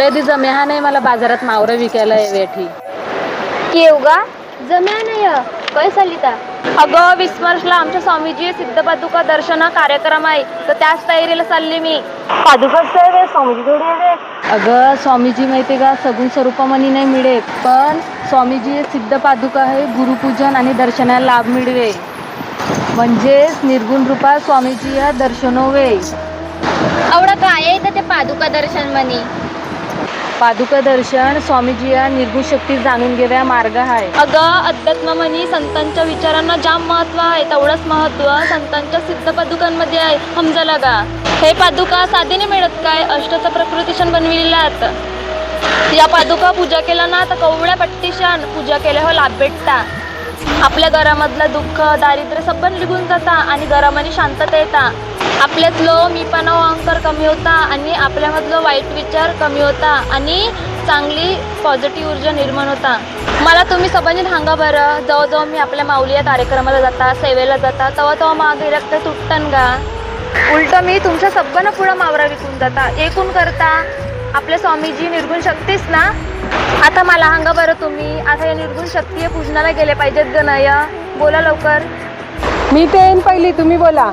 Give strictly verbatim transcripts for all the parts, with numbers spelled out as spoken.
थोडे दी जम्या नाही मला बाजारात मावरं विकायला वेठी केवगा जम्या नाही काय सलिता अगं विस्मर्शला आमच्या स्वामीजी सिद्ध पादुका दर्शना कार्यक्रम आहे तर त्याच तयारीला चालली मी. पादुका स्वामीजी थोडी आहे. अगं स्वामीजी माहिती का सगुण स्वरूपामणी नाही मिळे पण स्वामीजी सिद्ध पादुका आहे गुरुपूजन आणि दर्शनाला लाभ मिळवे म्हणजेच निर्गुण रूपात स्वामीजी या दर्शनोवे. आवडा काय आहे ते पादुका दर्शन म्हणी. पादुका दर्शन स्वामीजी या निर्गुण शक्ती जाणून घेव्या मार्ग आहे. अगं अध्यात्म म्हणी संतांच्या विचारांना जाम महत्व आहे तेवढंच महत्व संतांच्या सिद्ध पादुकांमध्ये आहे समजलं का. हे पादुका साधीने मिळत काय अष्टचा प्रकृतीशन बनविलेला. या पादुका पूजा केला ना तर कवड्या पट्टीशान पूजा केल्यावर लाभ भेटता. आपल्या घरामधलं दुःख दारिद्र्य सबन निघून जाता आणि घरामध्ये शांतता येता. आपल्यातलो मीपणा अहंकार कमी होता आणि आपल्यामधलं वाईट विचार कमी होता आणि चांगली पॉझिटिव्ह ऊर्जा निर्माण होता. मला तुम्ही सबंधित सांगा बरं जवळजवळ मी आपल्या माऊली या कार्यक्रमाला जाता सेवेला जाता तेव्हा तेव्हा मागे रक्त तुटतन का. उलट मी तुमच्या सगळ्यांना पुढं मावरा विकून जाता एकूण करता आपल्या स्वामीजी निर्गुण शक्तीच ना. आता मला सांगा बरं तुम्ही आता या निर्गुण शक्ती पूजनाला गेले पाहिजेत ग नय बोला लवकर. मी ते येईन पहिली तुम्ही बोला.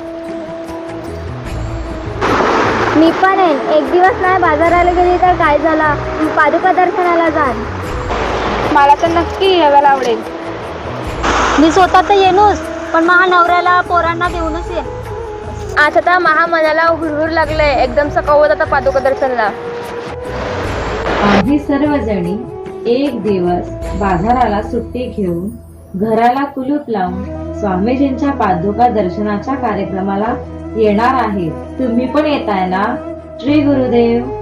मी पण आहे एक दिवस नाही बाजाराला गेली तर काय झाला पादुका दर्शनाला जाण. मला तर नक्की यायला आवडेल. मी स्वतः तर येणूच पण महा नवऱ्याला पोरांना देऊनच ये. आता तर महा मनाला हुरहुर लागले एकदम सकावत आता पादुका दर्शनला. आम्ही सर्वजणी एक दिवस बाजाराला सुट्टी घेऊन घराला कुलूप लावून स्वामीजींच्या पादुका दर्शनाच्या कार्यक्रमाला येणार आहे. तुम्ही पण येताय ना. श्री गुरुदेव.